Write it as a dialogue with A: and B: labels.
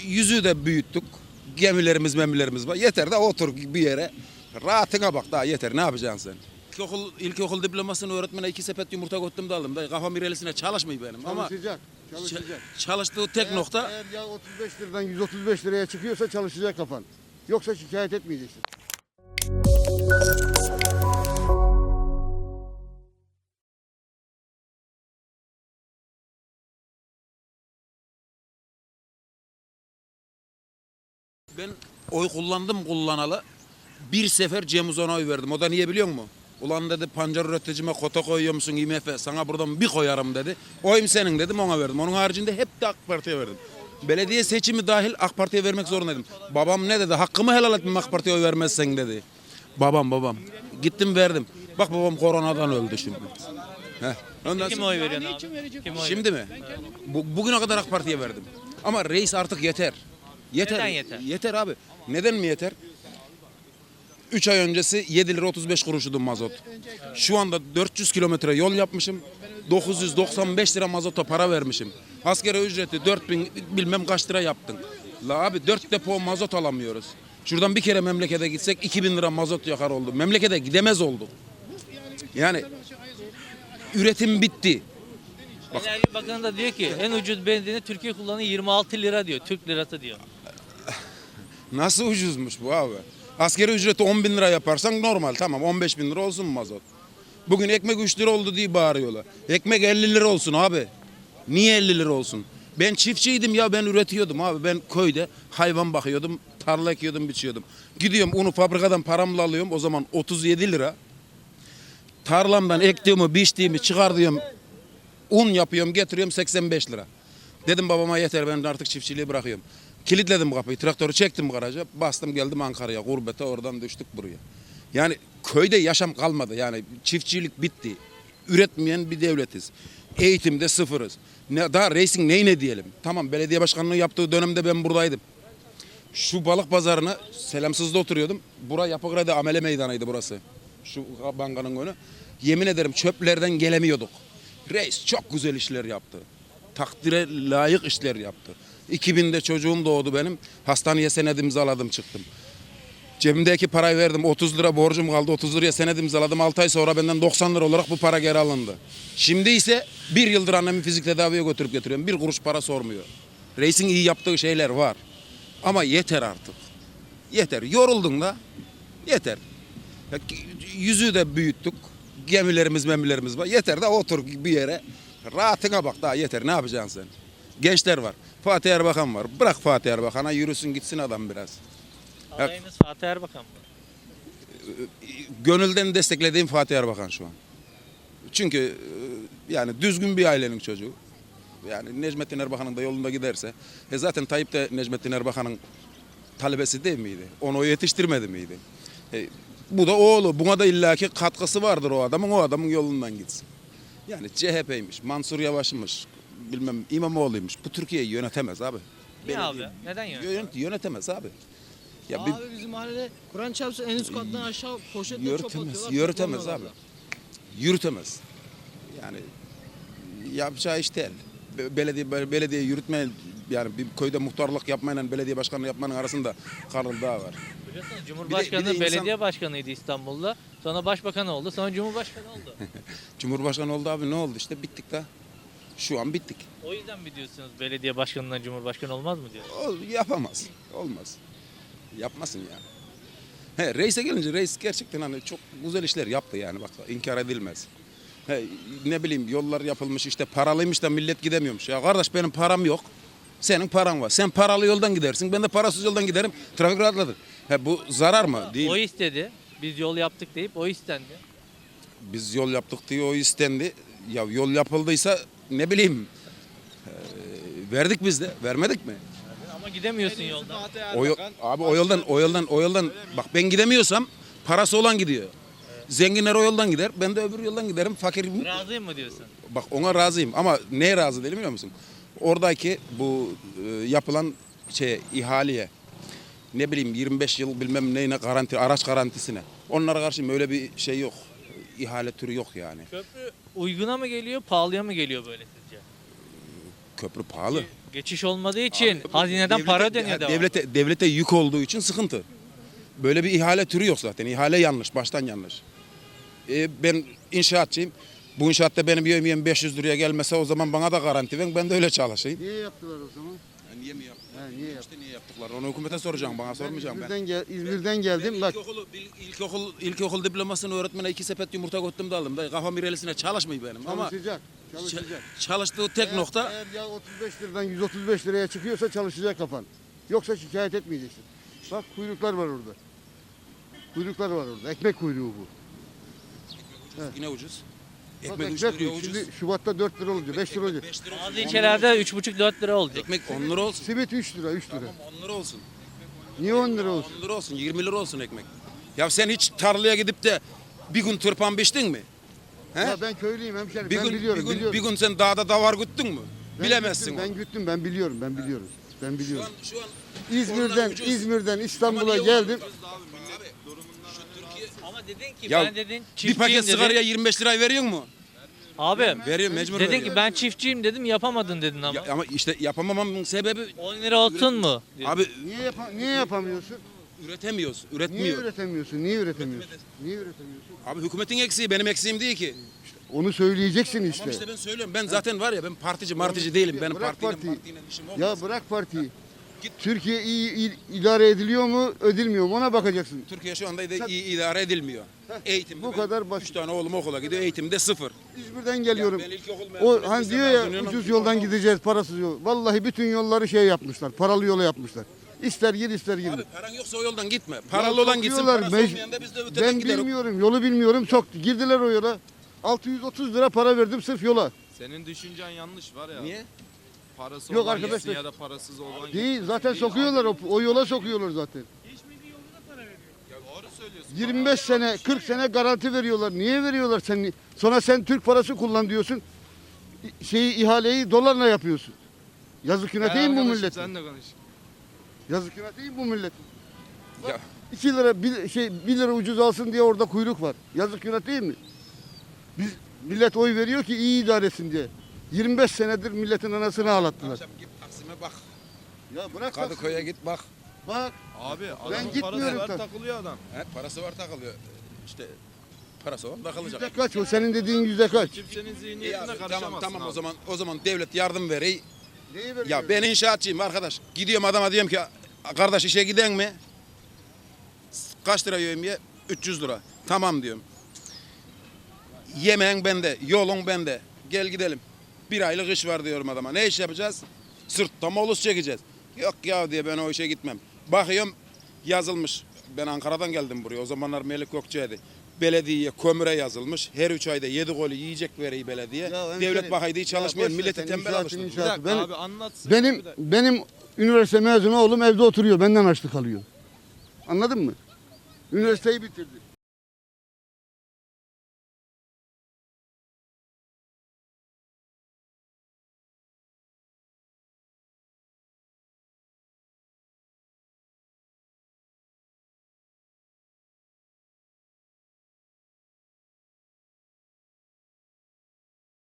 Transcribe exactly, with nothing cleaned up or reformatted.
A: yüzüğü de büyüttük. Gemilerimiz memilerimiz var. Yeter de otur bir yere. Rahatına bak daha yeter. Ne yapacaksın sen? İlkokul, ilkokul diplomasını öğretmene iki sepet yumurta koydum da aldım. Da kafam irelisine çalışmıyor benim. Ama
B: Çalışacak. Çalışacak.
A: çalıştığı tek
B: Eğer-
A: nokta
B: Eğer ya otuz beş liradan yüz otuz beş liraya çıkıyorsa çalışacak kafan. Yoksa şikayet etmeyeceksin.
A: ben oy kullandım kullanalı. Bir sefer Cem Uzan'a oy verdim. O da niye biliyor musun? Ulan dedi pancar üreticime kota koyuyor musun I M F? Sana buradan bir koyarım dedi. Oyum senin dedim ona verdim. Onun haricinde hep de AK Parti'ye verdim. Belediye seçimi dahil AK Parti'ye vermek zorundaydım. Babam ne dedi? Hakkımı helal etmem AK Parti'ye oy vermezsen dedi. Babam babam. Gittim verdim. Bak babam koronadan öldü şimdi. Heh. Ondan
C: Kim
A: sonra-
C: oy veriyorsun abi? Kim oy
A: Şimdi mi? Bu, bugüne kadar AK Parti'ye verdim. Ama reis artık yeter. Yeter.
C: Neden yeter?
A: Yeter abi. Neden mi yeter? üç ay öncesi yedi lira otuz beş kuruşuydu mazot. Şu anda dört yüz kilometre yol yapmışım. dokuz yüz doksan beş lira mazota para vermişim. Asgari ücreti dört bin bilmem kaç lira yaptın. La abi dört depo mazot alamıyoruz. Şuradan bir kere memlekete gitsek iki bin lira mazot yakar oldu. Memlekete gidemez olduk. Yani üretim bitti.
C: Enerji Bakanı da diyor ki en ucuz benzini Türkiye kullanıyor yirmi altı lira diyor. Türk lirası diyor.
A: Nasıl ucuzmuş bu abi? Asgari ücreti on bin lira yaparsan normal tamam on beş bin lira olsun mazot. Bugün ekmek üç lira oldu diye bağırıyorlar. Ekmek elli lira olsun abi. Niye elli lira olsun? Ben çiftçiydim ya ben üretiyordum abi. Ben köyde hayvan bakıyordum, tarla ekiyordum, biçiyordum. Gidiyorum unu fabrikadan paramla alıyorum o zaman otuz yedi lira. Tarlamdan ektiğimi, biçtiğimi çıkartıyorum. Un yapıyorum, getiriyorum seksen beş lira. Dedim babama yeter ben artık çiftçiliği bırakıyorum. Kilitledim kapıyı, traktörü çektim garaja, bastım geldim Ankara'ya, gurbete oradan düştük buraya. Yani köyde yaşam kalmadı yani çiftçilik bitti. Üretmeyen bir devletiz. Eğitimde sıfırız. Ne, daha reisin neyine diyelim. Tamam belediye başkanlığı yaptığı dönemde ben buradaydım. Şu balık pazarına Selamsız'da oturuyordum. Bura Yapıkıra'da amele meydanıydı burası. Şu bankanın önü. Yemin ederim çöplerden gelemiyorduk. Reis çok güzel işler yaptı. Takdire layık işler yaptı. iki binde çocuğum doğdu benim. Hastaneye senet imzaladım çıktım. Cebimdeki parayı verdim. otuz lira borcum kaldı. otuz liraya senet imzaladım. altı ay sonra benden doksan lira olarak bu para geri alındı. Şimdi ise bir yıldır annemi fizik tedaviye götürüp getiriyorum. Bir kuruş para sormuyor. Reisin iyi yaptığı şeyler var. Ama yeter artık. Yeter. Yoruldun da yeter. Ya, yüzüğü de büyüttük. Gemilerimiz memilerimiz var. Yeter de otur bir yere. Rahatına bak daha yeter. Ne yapacaksın sen? Gençler var. Fatih Erbakan var. Bırak Fatih Erbakan'a yürüsün gitsin adam biraz.
C: Adayınız Fatih Erbakan mı?
A: Gönülden desteklediğim Fatih Erbakan şu an. Çünkü e, yani düzgün bir ailenin çocuğu. Yani Necmettin Erbakan'ın da yolunda giderse. E zaten Tayyip de Necmettin Erbakan'ın talebesi değil miydi? Onu o yetiştirmedi miydi? E, bu da oğlu. Buna da illaki katkısı vardır o adamın. O adamın yolundan gitsin. Yani C H P'ymiş, Mansur Yavaş'mış, bilmem İmamoğlu'ymuş. Bu Türkiye'yi yönetemez abi.
C: Niye
A: Belediye-
C: abi? Neden yönetiyor?
A: Yönet, yönetemez abi. Ya
D: Abi bizim mahallede Kur'an çarpsın en üst kattan aşağı poşetle çöp
A: yürütemez,
D: atıyorlar.
A: yürütemez abi.
D: toplamıyorlar.
A: Yürütemez. Yani yapacağı iş değil. Be- Belediye belediye yürütme yani bir köyde muhtarlık yapmayla belediye başkanlığı yapmanın arasında Karıl Dağ var.
C: Biliyorsunuz Cumhurbaşkanı
A: bir de insan-
C: belediye başkanıydı İstanbul'da. Sonra başbakan oldu. Sonra cumhurbaşkanı oldu.
A: Cumhurbaşkanı oldu abi ne oldu işte bittik de. Şu an bittik.
C: O yüzden mi diyorsunuz belediye başkanından cumhurbaşkanı olmaz mı diyor?
A: O, yapamaz. Olmaz. Yapmasın yani. He, reise gelince reis gerçekten hani çok güzel işler yaptı yani bak inkar edilmez. He, ne bileyim yollar yapılmış işte paralıymış da millet gidemiyormuş. Ya kardeş benim param yok. Senin paran var. Sen paralı yoldan gidersin. Ben de parasız yoldan giderim. Trafik rahatladır. He, bu zarar mı? Değil.
C: O istedi. Biz yol yaptık deyip o istendi.
A: Biz yol yaptık diye o istendi. Ya yol yapıldıysa ne bileyim e, verdik biz de. Vermedik mi?
C: Ama gidemiyorsun yoldan.
A: O yo- abi o yoldan o yoldan o yoldan bak ben gidemiyorsam parası olan gidiyor. Zenginler o yoldan gider. Ben de öbür yoldan giderim. Fakir
C: Razıyım mı diyorsun?
A: bak ona razıyım ama neye razı değilim biliyor musun? Oradaki bu e, yapılan şey ihaleye ne bileyim yirmi beş yıl bilmem neyine garanti araç garantisine. Onlara karşı öyle bir şey yok. İhale türü yok yani.
C: Köprü uyguna mı geliyor, pahalıya mı geliyor böyle sizce?
A: Köprü pahalı.
C: Geçiş olmadığı için
A: Abi,
C: hazineden
A: devlete-
C: para dönüyor
A: ya
C: devam.
A: devlete, devlete yük olduğu için sıkıntı. Böyle bir ihale türü yok zaten. İhale yanlış, baştan yanlış. E, ben inşaatçıyım. Bu inşaatta benim yemeğim beş yüz liraya gelmese o zaman bana da garanti verin. Ben de öyle çalışayım.
B: Niye yaptılar o zaman?
A: Ya niye mi yaptılar?
B: Ha, niye
A: İşte niye yaptılar? Onu hükümete soracağım, bana sormayacağım ben.
B: İzmir'den, gel, İzmir'den geldim bak.
A: İlkokul, ilkokul, ilkokul diplomasını öğretmene iki sepet yumurta koydum da aldım. Da kafam irelisine çalışmıyor benim. Ama
B: Çalışacak. Çalışacak.
A: ç- çalıştığı tek
B: Eğer-
A: nokta
B: Eğer ya otuz beş liradan yüz otuz beş liraya çıkıyorsa çalışacak kafan. Yoksa şikayet etmeyeceksin. Bak kuyruklar var orada. Kuyruklar var orada. Ekmek kuyruğu bu.
A: yine ucuz.
B: Bak
A: Ekmek üç
B: ekmek
A: liraya
B: kuyruğu.
A: ucuz.
B: Şimdi Şubat'ta dört lira olacak, beş lira olacak.
A: beş lira
C: Bazı
A: olsun.
C: ilçelerde üç buçuk dört lira oldu.
A: Ekmek on lira olsun.
B: Simit üç lira, üç lira.
A: Tamam on lira olsun.
B: Niye on lira olsun?
A: on lira olsun, yirmi lira olsun ekmek. Ya sen hiç tarlaya gidip de bir gün tırpan biçtin mi? He?
B: Ya ben köylüyüm hemşerim.
A: bir
B: Ben
A: gün,
B: biliyorum,
A: bir gün,
B: biliyorum.
A: bir gün sen dağda davar güttün mü?
B: Ben
A: Bilemezsin
B: güttüm,
A: onu.
B: Ben güttüm, ben biliyorum, ben biliyorum. Ben
A: Şu
B: biliyorum.
A: an, şu an
B: İzmir'den,
A: onlar ucuz.
B: İzmir'den
A: Ama
B: İstanbul'a
A: niye
B: geldim.
A: ucuz abi? Şu Türkiye...
C: Ama dedin ki
A: Ya
C: ben dedin
A: Bir
C: çiftçiyim
A: paket
C: dedin.
A: sigaraya yirmi beş lirayı veriyor mu?
C: Abi
A: Veriyor, mecbur
C: dedin
A: veriyor.
C: ki ben çiftçiyim dedim yapamadın dedin ama.
A: Ya, ama işte yapamamamın sebebi
C: on lira olsun mu?
A: abi
B: Niye, yapa- niye yapamıyorsun?
A: üretemiyoruz,
B: Niye
A: üretmiyor.
B: üretemiyorsun? Niye üretemiyorsun? Niye üretemiyorsun?
A: Abi hükümetin eksiği benim eksiğim değil ki.
B: Onu söyleyeceksin
A: Tamam
B: işte.
A: işte ben söylüyorum. Ben zaten var ya ben partici martici değilim. Benim
B: Bırak
A: partiyle
B: partiyi.
A: partiyle işim olmaz.
B: Ya bırak partiyi.
A: Git.
B: Türkiye iyi il- idare ediliyor mu, edilmiyor mu ona bakacaksın.
A: Türkiye şu anda da
B: Sen-
A: iyi idare edilmiyor. Eğitim.
B: bu kadar basit.
A: Üç tane oğlum okula gidiyor. Eğitimde sıfır.
B: İzmir'den geliyorum.
A: ben ilkokul mezunu,
B: O hani
A: lise
B: diyor ya
A: mezunuyum.
B: ucuz yoldan gideceğiz, parasız yol. Vallahi bütün yolları şey yapmışlar. Paralı yola yapmışlar. İster gir ister girme.
A: Abi paran yoksa o yoldan gitme. Paralı olan gitsin.
B: sokuyorlar,
A: Parası
B: mec-
A: olmayan da biz de öteden
B: Ben
A: gideriz.
B: bilmiyorum, yolu bilmiyorum. Çok girdiler o yola. altı yüz otuz lira para verdim sırf yola.
E: Senin düşüncen yanlış var ya.
A: Niye?
E: Parası
B: Yok
E: olan
B: arkadaşlar.
E: gitsin ya da parasız olan
B: Değil, zaten sokuyorlar o, o yola sokuyorlar zaten.
E: Doğru söylüyorsun.
B: yirmi beş sene, kırk sene garanti veriyorlar. Niye veriyorlar sen? Sonra sen Türk parası kullan diyorsun. İ- Şeyi ihaleyi dolarla yapıyorsun. Yazık günah değil mi bu
E: Arkadaşım,
B: milletin?
E: Sen de konuş.
B: Yazık günah değil mi bu milletin?
A: Ya,
B: iki lira bir, şey bir lira ucuz alsın diye orada kuyruk var. Yazık günah değil mi? Biz millet oy veriyor ki iyi idare etsin diye. yirmi beş senedir milletin anasını ağlattılar.
A: akşam git Taksim'e bak.
B: Ya bırak
A: Kadıköy'e git bak.
B: Bak
E: Abi adamın parası
B: gitmiyorum
E: var
B: tabii.
E: takılıyor adam.
A: He, parası var takılıyor. İşte parası var takılacak.
B: yüzde kaç o senin dediğin yüzde kaç?
E: Kimsenin
A: İyi
E: zihniyetine
A: abi,
E: karışamazsın
A: tamam tamam
E: abi.
A: o zaman o zaman devlet yardım veriyor.
B: Neyi veriyor?
A: Ya ben inşaatçıyım arkadaş. Gidiyorum adama diyorum ki kardeş işe giden mi? Kaç lira yemeğe? üç yüz lira. Tamam diyorum. Yemeğin bende, yolun bende. Gel gidelim. Bir aylık iş var diyorum adama. Ne iş yapacağız? Sırtta molus çekeceğiz. Yok ya diye ben o işe gitmem. Bakıyorum yazılmış. Ben Ankara'dan geldim buraya. O zamanlar Melik Gökçe'ydi. Belediyeye kömüre yazılmış. Her üç ayda yedi golü yiyecek veriyor belediye.
B: Ya hemşerim,
A: Devlet bakaydı hiç
B: ya
A: çalışmayan
B: boş ver
A: milleti
B: sen
A: tembel
B: inşaatın
A: alıştırdı.
E: Bir
B: inşaatı.
E: dakika
B: Benim-
E: abi anlatsın.
B: Benim
E: Bir dakika.
B: benim üniversite mezunu oğlum evde oturuyor. Benden açlık alıyor. Anladın mı? Üniversiteyi bitirdi.